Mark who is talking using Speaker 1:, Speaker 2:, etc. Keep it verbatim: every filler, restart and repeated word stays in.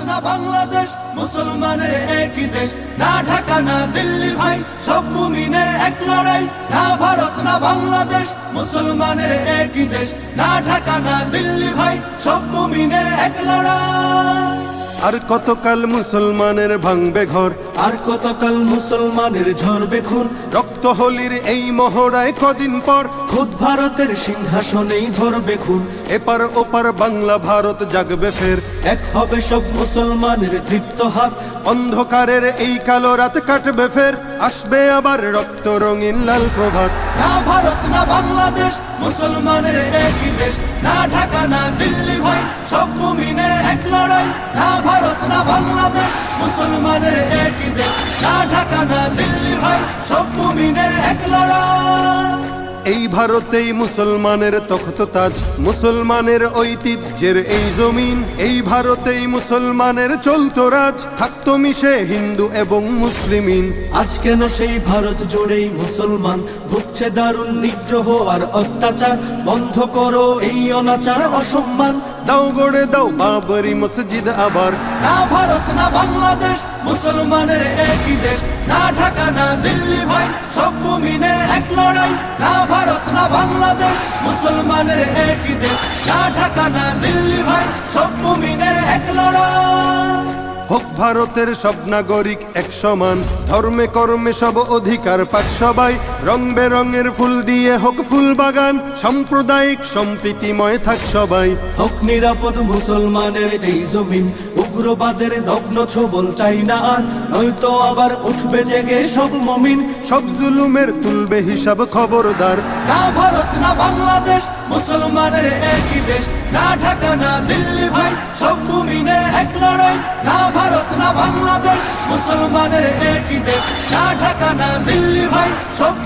Speaker 1: না বাংলাদেশ, মুসলমানের একই দেশ, না ঢাকা না দিল্লি ভাই, সব মুমিনের এক লড়াই। না ভারত না বাংলাদেশ, মুসলমানের একই দেশ, না ঢাকা না দিল্লি ভাই, সব মুমিনের এক লড়াই।
Speaker 2: আর কতকাল মুসলমানের ভাঙবে ঘর,
Speaker 1: আর কতকাল মুসলমানের ঝরবে খুন,
Speaker 2: রক্ত হোলির এই মহড়ায় কদিন পর
Speaker 1: খুদ ভারতের সিংহাসনেই ধরবে খুন।
Speaker 2: এপার ওপার বাংলা ভারত জাগবে ফের,
Speaker 1: এক হবে সব মুসলমানের দীপ্ত হাত।
Speaker 2: অন্ধকারের এই কালো রাত কাটবে ফের, আসবে আবার রক্ত রঙিন লাল প্রভাত।
Speaker 1: না ভারত না বাংলাদেশ, মুসলমানের একই দেশ, না ঢাকা না দিল্লি ভাই, সব মুমিনের এক লড়াই। না ভারত না বাংলাদেশ, মুসলমানের একই দেশ, না ঢাকা না দিল্লি ভাই, সব মুমিনের এক লড়াই।
Speaker 2: এই ভারতেই মুসলমানের তখত তাজ, মুসলমানের ঐতিহ্যের এই জমিন। এই ভারতেই মুসলমানের চলতো রাজ, থাকতো মিশে হিন্দু এবং মুসলিমিন।
Speaker 1: আজ কেন সেই ভারত জুড়েই মুসলমান ভুগছে দারুণ নিগ্রহ আর অত্যাচার? বন্ধ করো এই অনাচার অসম্মান,
Speaker 2: দাও গড়ে দাও বাবরি মসজিদ আবার।
Speaker 1: না ভারত না বাংলাদেশ, মুসলমানের একই দেশ, না ঢাকা না দিল্লি ভাই, সব মুমিনের এক লড়াই। না ভারত না বাংলাদেশ, মুসলমানের একই দেশ, না ঢাকা না দিল্লি ভাই, সব মুমিনের এক লড়াই।
Speaker 2: হোক ভারতের সব নাগরিক এক সমান, ধর্মে কর্মে সব অধিকার পাক সবাই। রং বেরঙের ফুল দিয়ে হোক ফুল বাগান, সাম্প্রদায়িক সম্প্রীতিময় থাক সবাই।
Speaker 1: হোক নিরাপদ মুসলমানের এই জমিন, উগ্রবাদের নগ্ন ছবল চাই না আর, নয়তো আবার উঠবে জেগে সব মুমিন।
Speaker 2: সব জুলুমের তুলবে হিসাব খবরদার।
Speaker 1: না ভারত না বাংলাদেশ, মুসলমানের একই দেশ, না ঢাকা না দিল্লি ভাই, সব মুমিনের এক লড়াই। না ভারত না বাংলাদেশ, মুসলমানের একই দেশ, না ঢাকা না দিল্লি ভাই, সব